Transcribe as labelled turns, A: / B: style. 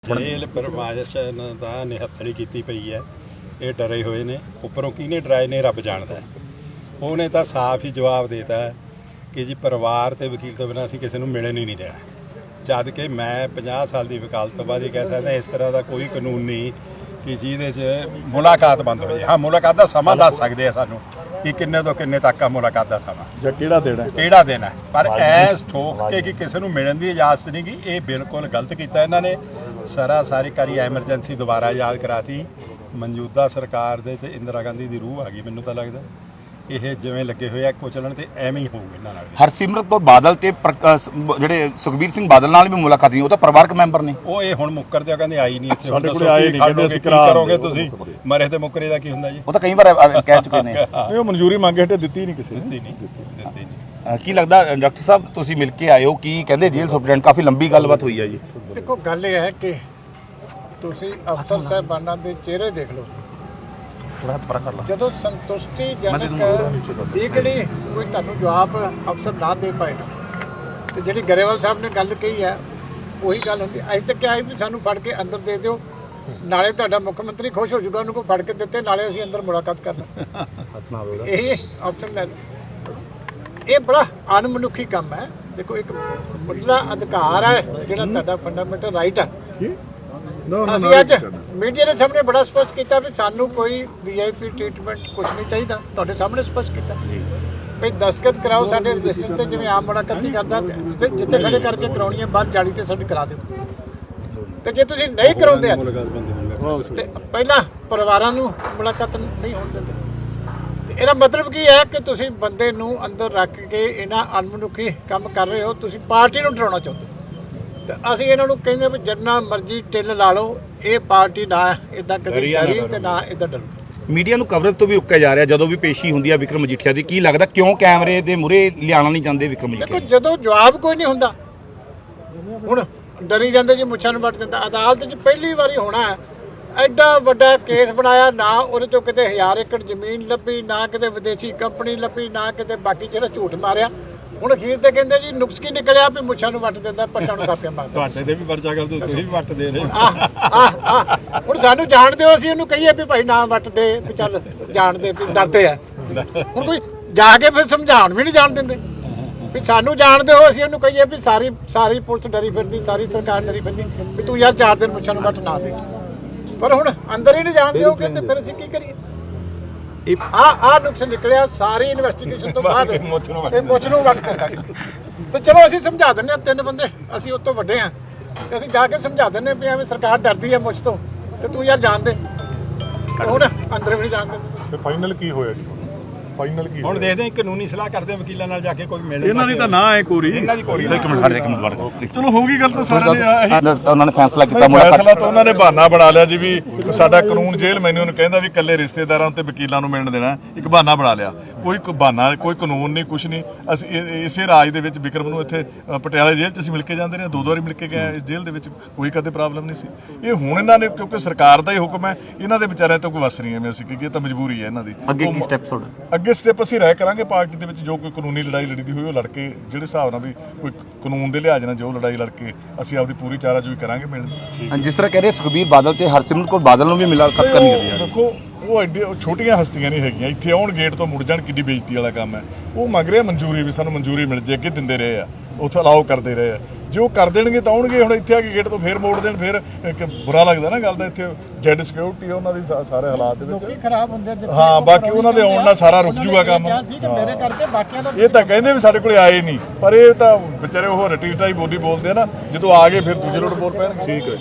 A: ਜੇਲ੍ਹ ਪ੍ਰਮਾਸ਼ਨ ਦਾ ਨਿਹੱਥੜੀ ਕੀਤੀ ਪਈ ਹੈ। ਇਹ ਡਰੇ ਹੋਏ ਨੇ। ਉੱਪਰੋਂ ਕਿਹਨੇ ਡਰਾਏ ਨੇ ਰੱਬ ਜਾਣਦਾ। ਉਹਨੇ ਤਾਂ ਸਾਫ਼ ਹੀ ਜਵਾਬ ਦੇਤਾ ਕਿ ਜੀ ਪਰਿਵਾਰ ਤੇ ਵਕੀਲ ਤੋਂ ਬਿਨਾਂ ਅਸੀਂ ਕਿਸੇ ਨੂੰ ਮਿਲਣ ਹੀ ਨਹੀਂ ਦੇਣਾ। ਜਦ ਕਿ ਮੈਂ 50 ਸਾਲ ਦੀ ਵਕਾਲਤ ਤੋਂ ਬਾਅਦ ਇਹ ਕਹਿ ਸਕਦਾ ਇਸ ਤਰ੍ਹਾਂ ਦਾ ਕੋਈ ਕਾਨੂੰਨ ਨਹੀਂ ਕਿ ਜਿਹਦੇ 'ਚ ਮੁਲਾਕਾਤ ਬੰਦ ਹੋ ਜਾਏ। ਹਾਂ, ਮੁਲਾਕਾਤ ਦਾ ਸਮਾਂ ਦੱਸ ਸਕਦੇ ਆ ਸਾਨੂੰ ਕਿ ਕਿੰਨੇ ਤੋਂ ਕਿੰਨੇ ਤੱਕ ਆ ਮੁਲਾਕਾਤ ਦਾ ਸਮਾਂ
B: ਜਾਂ ਕਿਹੜਾ ਦੇਣਾ
A: ਪਰ ਐਸ ਠੋਕ ਕੇ ਕਿ ਕਿਸੇ ਨੂੰ ਮਿਲਣ ਦੀ ਇਜਾਜ਼ਤ ਨਹੀਂ ਗੀ। ਇਹ ਬਿਲਕੁਲ ਗਲਤ ਕੀਤਾ ਇਹਨਾਂ ਨੇ। ਸਾਰੀ ਐਮਰਜੈਂਸੀ ਦੁਬਾਰਾ ਯਾਦ ਕਰਾਤੀ। ਮੌਜੂਦਾ ਸਰਕਾਰ ਦੇ ਤੇ ਇੰਦਰਾ ਗਾਂਧੀ ਦੀ ਰੂਹ ਆ ਗਈ। ਮੈਨੂੰ ਤਾਂ ਲੱਗਦਾ ਇਹ ਜਿਵੇਂ ਲੱਗੇ ਹੋਏ ਆ ਕੁਚਲਣ ਤੇ ਐਵੇਂ ਹੀ ਹੋਊਗਾ ਇਹਨਾਂ ਨਾਲ।
C: ਹਰਸਿਮਰਤ ਕੌਰ ਬਾਦਲ ਤੇ ਜਿਹੜੇ ਸੁਖਬੀਰ ਸਿੰਘ ਬਾਦਲ ਨਾਲ ਵੀ ਮੁਲਾਕਾਤ ਨਹੀਂ, ਉਹ ਤਾਂ ਪਰਿਵਾਰਕ ਮੈਂਬਰ ਨੇ।
A: ਉਹ ਇਹ ਹੁਣ ਮੁੱਕਰਦੇ ਕਹਿੰਦੇ ਆਈ ਨਹੀਂ ਇੱਥੇ।
B: ਸਾਡੇ ਕੋਲ ਆਏ ਨਹੀਂ, ਕਹਿੰਦੇ ਅਸੀਂ
A: ਕਰੋਗੇ ਤੁਸੀਂ ਮਰੇ ਤੇ ਮੁੱਕਰੇ ਦਾ ਕੀ ਹੁੰਦਾ ਜੀ।
C: ਉਹ ਤਾਂ ਕਈ ਵਾਰ ਕਹਿ ਚੁੱਕੇ ਨੇ।
B: ਉਹ ਮਨਜ਼ੂਰੀ ਮੰਗੇ ਹਟੇ ਦਿੱਤੀ ਨਹੀਂ ਕਿਸੇ ਨੇ।
A: ਦਿੱਤੀ ਨਹੀਂ।
C: ਕੀ ਲੱਗਦਾ ਡਾਕਟਰ ਸਾਹਿਬ ਤੁਸੀਂ ਮਿਲ ਕੇ ਆਏ ਹੋ, ਕੀ ਕਹਿੰਦੇ ਜੇਲ੍ਹ ਸੁਪਰਡੈਂਟ? ਕਾਫੀ ਲੰਬੀ ਗੱਲਬਾਤ ਹੋਈ ਹੈ ਜੀ।
D: ਦੇਖੋ, ਗੱਲ ਇਹ ਹੈ ਕਿ ਤੁਸੀਂ ਅਫਸਰ ਸਾਹਿਬਾਨਾਂ ਦੇ ਚਿਹਰੇ ਦੇਖ ਲਓ। ਜਦੋਂ ਸੰਤੁਸ਼ਟੀਜਨਕ ਟਿਕੜੀ ਕੋਈ ਤੁਹਾਨੂੰ ਜਵਾਬ ਅਫਸਰ ਨਾ ਦੇ ਪਾਏ ਨਾ, ਤੇ ਜਿਹੜੀ ਗਰੇਵਾਲ ਸਾਹਿਬ ਨੇ ਗੱਲ ਕਹੀ ਹੈ ਉਹੀ ਗੱਲ ਹੁੰਦੀ। ਅੱਜ ਤੱਕ ਕਿਹਾ ਵੀ ਸਾਨੂੰ ਫੜ ਕੇ ਅੰਦਰ ਦੇ ਦਿਓ, ਨਾਲੇ ਤੁਹਾਡਾ ਮੁੱਖ ਮੰਤਰੀ ਖੁਸ਼ ਹੋ ਜਾਊਗਾ ਉਹਨੂੰ ਕੋਈ ਫੜ ਕੇ ਦਿੱਤੇ, ਨਾਲੇ ਅਸੀਂ ਅੰਦਰ ਮੁਲਾਕਾਤ ਕਰਨਾ। ਇਹ ਅਫਸਰ ਲੈ ਲਓ। ਇਹ ਬੜਾ ਅਣਮਨੁੱਖੀ ਕੰਮ ਹੈ। ਦੇਖੋ, ਇੱਕ ਮੁੱਢਲਾ ਅਧਿਕਾਰ ਹੈ ਜਿਹੜਾ ਤੁਹਾਡਾ ਫੰਡਾਮੈਂਟਲ ਰਾਈਟ ਹੈ। ਅਸੀਂ ਅੱਜ ਮੀਡੀਆ ਦੇ ਸਾਹਮਣੇ ਬੜਾ ਸਪਸ਼ਟ ਕੀਤਾ ਵੀ ਸਾਨੂੰ ਕੋਈ ਵੀਆਈਪੀ ਟ੍ਰੀਟਮੈਂਟ ਕੁਝ ਨਹੀਂ ਚਾਹੀਦਾ। ਤੁਹਾਡੇ ਸਾਹਮਣੇ ਸਪਸ਼ਟ ਕੀਤਾ ਵੀ ਦਸਤਖਤ ਕਰਾਓ ਸਾਡੇ ਰਜਿਸਟਰ ਤੇ, ਜਿਵੇਂ ਆਮ ਮੁਲਾਕਾਤ ਨਹੀਂ ਕਰਦਾ ਜਿੱਥੇ ਖੜੇ ਕਰਕੇ ਕਰਾਉਣੀ ਹੈ ਬਾਹਰ ਜਾਲੀ ਤੇ ਸਾਡੀ ਕਰਾ ਦਿਓ। ਤੇ ਜੇ ਤੁਸੀਂ ਨਹੀਂ ਕਰਾਉਂਦੇ ਤੇ ਪਹਿਲਾਂ ਪਰਿਵਾਰਾਂ ਨੂੰ ਮੁਲਾਕਾਤ ਨਹੀਂ ਹੋਣ ਦਿੰਦੇ। ਤੇ ਇਹਦਾ ਮਤਲਬ ਕੀ ਹੈ ਕਿ ਤੁਸੀਂ ਬੰਦੇ ਨੂੰ ਅੰਦਰ ਰੱਖ ਕੇ ਇਹਨਾਂ ਅਣਮਨੁੱਖੀ ਕੰਮ ਕਰ ਰਹੇ ਹੋ। ਤੁਸੀਂ ਪਾਰਟੀ ਨੂੰ ਡਰਾਉਣਾ ਚਾਹੁੰਦੇ। ਤੇ ਅਸੀਂ ਇਹਨਾਂ ਨੂੰ ਕਹਿੰਦੇ ਵੀ ਜਿੰਨਾ ਮਰਜ਼ੀ ਟਿੱਲ ਲਾ ਲਓ, ਇਹ ਪਾਰਟੀ ਨਾ ਇਦਾਂ ਕਦੇ ਡਰੀ ਤੇ ਨਾ ਇਦਾਂ ਡਰੂ।
C: ਮੀਡੀਆ ਨੂੰ ਕਵਰੇਜ ਤੋਂ ਵੀ ਉੱਕਿਆ ਜਾ ਰਿਹਾ ਜਦੋਂ ਵੀ ਪੇਸ਼ੀ ਹੁੰਦੀ ਹੈ ਵਿਕਰਮ ਮਜੀਠੀਆ ਦੀ। ਕੀ ਲੱਗਦਾ ਕਿਉਂ ਕੈਮਰੇ ਦੇ ਮੂਹਰੇ ਲਿਆਉਣਾ ਨਹੀਂ ਚਾਹੁੰਦੇ ਵਿਕਰਮ ਮਜੀਠੀਆ?
D: ਦੇਖੋ, ਜਦੋਂ ਜਵਾਬ ਕੋਈ ਨਹੀਂ ਹੁੰਦਾ ਹੁਣ ਡਰੀ ਜਾਂਦੇ ਜੀ, ਮੁੱਛਾਂ ਨੂੰ ਵੱਟ ਦਿੰਦਾ। ਅਦਾਲਤ 'ਚ ਪਹਿਲੀ ਵਾਰੀ ਹੋਣਾ ਐਡਾ ਵੱਡਾ ਕੇਸ ਬਣਾਇਆ, ਨਾ ਉਹਦੇ ਚੋਂ ਕਿਤੇ 1000 ਏਕੜ ਜ਼ਮੀਨ ਲੱਭੀ, ਨਾ ਕਿਤੇ ਵਿਦੇਸ਼ੀ ਕੰਪਨੀ ਲੱਭੀ, ਨਾ ਕਿਤੇ ਬਾਕੀ ਜਿਹੜਾ ਝੂਠ ਮਾਰਿਆ। ਹੁਣ ਅਖੀਰ ਤੇ ਕਹਿੰਦੇ ਜੀ ਨੁਕਸ ਕੀ ਨਿਕਲਿਆ ਵੀ ਮੁੱਛਾਂ ਨੂੰ ਵੱਟ ਦਿੰਦਾ, ਪੱਟਾਂ ਨੂੰ ਕਾਪੀਆਂ ਮਾਰਦਾ।
A: ਤੁਹਾਡੇ ਤੇ ਵੀ ਪਰਚਾ ਕਰ ਦਿਓ, ਤੁਸੀਂ ਵੀ ਵੱਟ ਦੇ ਰਹੇ।
D: ਹੁਣ ਸਾਨੂੰ ਜਾਣ ਦਿਓ, ਅਸੀਂ ਉਹਨੂੰ ਕਹੀਏ ਵੀ ਭਾਈ ਨਾ ਵੱਟ ਦੇ, ਵੀ ਚੱਲ ਜਾਣ ਦੇ, ਵੀ ਡਰਦੇ ਆ। ਹੁਣ ਕੋਈ ਜਾ ਕੇ ਫਿਰ ਸਮਝਾਉਣ ਵੀ ਨਹੀਂ ਜਾਣ ਦਿੰਦੇ ਵੀ ਸਾਨੂੰ ਜਾਣ ਦਿਓ। ਅਸੀਂ ਉਹਨੂੰ ਕਹੀਏ ਵੀ ਸਾਰੀ ਪੁਲਿਸ ਡਰੀ ਫਿਰਦੀ, ਸਾਰੀ ਸਰਕਾਰ ਡਰੀ ਫਿਰਦੀ ਵੀ ਤੂੰ ਯਾਰ 4 ਦਿਨ ਮੁੱਛਾਂ ਨੂੰ ਵੱਟ ਨਾ ਦੇ। ਪਰ ਹੁਣ ਅੰਦਰ ਹੀ ਨਹੀਂ ਜਾਣ ਦਿਓਗੇ ਤੇ ਫਿਰ ਅਸੀਂ ਕੀ ਕਰੀਏ? ਆ ਨੁਕਸ ਨਿਕਲਿਆ ਸਾਰੀ ਇਨਵੈਸਟੀਗੇਸ਼ਨ ਤੋਂ ਬਾਅਦ ਇਹ ਮੁੱਛ ਨੂੰ ਵੱਟ ਦਿੰਦਾ। ਤੇ ਚਲੋ ਅਸੀਂ ਸਮਝਾ ਦਿੰਦੇ ਹਾਂ, 3 ਬੰਦੇ ਅਸੀਂ ਉਹ ਤੋਂ ਵੱਡੇ ਹਾਂ, ਤੇ ਅਸੀਂ ਜਾ ਕੇ ਸਮਝਾ ਦਿੰਦੇ ਵੀ ਐਵੇਂ ਸਰਕਾਰ ਡਰਦੀ ਹੈ ਮੁੱਛ ਤੋਂ, ਤੇ ਤੂੰ ਯਾਰ ਜਾਣ ਦੇ। ਹੁਣ ਅੰਦਰ ਵੀ ਨਹੀਂ ਜਾਣ ਦਿੰਦੇ।
B: ਫਾਈਨਲ ਕੀ ਹੋਇਆ ਜੀ? ਫਾਈਨਲ ਕੀ
A: ਹੁਣ ਦੇਖਦੇ ਹਾਂ, ਕਾਨੂੰਨੀ ਸਲਾਹ ਕਰਦੇ ਵਕੀਲਾਂ ਨਾਲ ਜਾ ਕੇ ਕੋਈ ਮਿਲ।
B: ਇਹਨਾਂ ਦੀ ਤਾਂ ਨਾ ਹੈ ਕੋਰੀ।
A: ਇਹਨਾਂ ਦੀ ਕੋਰੀ।
C: ਇੱਕ ਮਿੰਟ
B: ਚਲੋ ਹੋਊਗੀ ਗੱਲ ਤਾਂ ਸਾਰਿਆਂ ਨੇ।
C: ਉਹਨਾਂ ਨੇ ਫੈਸਲਾ ਕੀਤਾ
B: ਫੈਸਲਾ ਤਾਂ ਉਹਨਾਂ ਨੇ ਬਹਾਨਾ ਬਣਾ ਲਿਆ ਜੀ ਵੀ ਸਾਡਾ ਕਾਨੂੰਨ ਜੇਲ੍ਹ ਮੈਨੂੰ ਨੂੰ ਕਹਿੰਦਾ ਵੀ ਇਕੱਲੇ ਰਿਸ਼ਤੇਦਾਰਾਂ ਤੇ ਵਕੀਲਾਂ ਨੂੰ ਮਿਲਣ ਦੇਣਾ। ਇੱਕ ਬਹਾਨਾ ਬਣਾ ਲਿਆ। ਕੋਈ ਬਹਾਨਾ, ਕੋਈ ਕਾਨੂੰਨ ਨਹੀਂ, ਕੁਛ ਨਹੀਂ। ਅਸੀਂ ਇਸੇ ਰਾਜ ਦੇ ਵਿੱਚ ਵਿਕਰਮ ਨੂੰ ਇੱਥੇ ਪਟਿਆਲਾ ਜੇਲ੍ਹ 'ਚ ਅਸੀਂ ਮਿਲ ਕੇ ਜਾਂਦੇ ਰਹੇ, 2 ਵਾਰੀ ਮਿਲ ਕੇ ਗਏ ਇਸ ਜੇਲ੍ਹ ਦੇ ਵਿੱਚ। ਕੋਈ ਕਦੇ ਪ੍ਰੋਬਲਮ ਨਹੀਂ ਸੀ। ਇਹ ਹੁਣ ਇਹਨਾਂ ਨੇ, ਕਿਉਂਕਿ ਸਰਕਾਰ ਦਾ ਹੀ ਹੁਕਮ ਹੈ, ਇਹਨਾਂ ਦੇ ਵਿਚਾਰਿਆਂ ਤੋਂ ਕੋਈ ਵਸ ਨਹੀਂ ਐਵੇਂ ਅਸੀਂ ਕਿ ਇਹ ਤਾਂ ਮਜਬੂਰੀ ਹੈ ਇਹਨਾਂ ਦੀ।
C: ਅੱਗੇ ਕੀ ਸਟੈਪ ਤੁਹਾਡਾ?
B: ਅੱਗੇ ਸਟੈਪ ਅਸੀਂ ਰਾਇ ਕਰਾਂਗੇ ਪਾਰਟੀ ਦੇ ਵਿੱਚ। ਜੋ ਕੋਈ ਕਾਨੂੰਨੀ ਲੜਾਈ ਲੜੀਦੀ ਹੋਈ ਉਹ ਲੜ ਕੇ, ਜਿਹੜੇ ਹਿਸਾਬ ਨਾਲ ਵੀ ਕੋਈ ਕਾਨੂੰਨ ਦੇ ਲਿਹਾਜ਼ ਨਾਲ ਜੋ ਲੜਾਈ ਲੜ ਕੇ ਅਸੀਂ ਆਪਦੀ ਪੂਰੀ ਚਾਰਾਜੋਈ ਕਰਾਂਗੇ ਮਿਲਣ।
C: ਜਿਸ ਤਰ੍ਹਾਂ ਕਹਿ ਰਹੇ ਸੁਖਬੀਰ ਬਾਦਲ ਤੇ ਹਰਸਿਮਰਤ ਕੌਰ ਬਾਦਲ ਨੂੰ ਵੀ ਮੁਲਾਕਾਤ ਕਰਨੀ ਹੈ।
B: ਦੇਖੋ, ਉਹ ਐਡੇ ਛੋਟੀਆਂ ਹਸਤੀਆਂ ਨਹੀਂ ਹੈਗੀਆਂ। ਇੱਥੇ ਆਉਣ ਗੇਟ ਤੋਂ ਮੁੜ ਜਾਣ, ਕਿੱਡੀ ਬੇਇੱਜ਼ਤੀ ਵਾਲਾ ਕੰਮ ਹੈ। ਉਹ ਮੰਗ ਰਿਹਾ ਮਨਜ਼ੂਰੀ ਵੀ ਸਾਨੂੰ ਮਨਜ਼ੂਰੀ ਮਿਲ ਜੇ। ਅੱਗੇ ਦਿੰਦੇ ਰਹੇ ਆ, ਉੱਥੇ ਅਲਾਓ ਕਰਦੇ ਰਹੇ ਆ। ਜੇ ਉਹ ਕਰ ਦੇਣਗੇ ਤਾਂ ਆਉਣਗੇ। ਹੁਣ ਇੱਥੇ ਆ ਕੇ ਗੇਟ ਤੋਂ ਫੇਰ ਮੋੜ ਦੇਣ, ਫਿਰ ਇੱਕ ਬੁਰਾ ਲੱਗਦਾ ਨਾ ਗੱਲ ਦਾ। ਇੱਥੇ ਜੈਡ ਸਿਕਿਉਰਿਟੀ ਉਹਨਾਂ ਦੀ ਸਾਰੇ ਹਾਲਾਤ ਦੇ ਵਿੱਚ
D: ਖਰਾਬ ਹੁੰਦੇ।
B: ਹਾਂ, ਬਾਕੀ ਉਹਨਾਂ ਦੇ ਆਉਣ ਨਾਲ ਸਾਰਾ ਰੁਕ ਜੂਗਾ ਕੰਮ।
D: ਮੇਰੇ ਕਰਕੇ ਬਾਕੀਆਂ ਦਾ
B: ਇਹ ਤਾਂ ਕਹਿੰਦੇ ਵੀ ਸਾਡੇ ਕੋਲੇ ਆਏ ਨਹੀਂ, ਪਰ ਇਹ ਤਾਂ ਵਿਚਾਰੇ ਉਹ ਰਟੀ ਟਾਈ ਬੋਲੀ ਬੋਲਦੇ ਆ ਨਾ। ਜਦੋਂ ਆ ਗਏ ਫਿਰ ਦੂਜੇ ਲੋਟ ਬੋਲ ਪੈਣਗੇ। ਠੀਕ ਹੈ।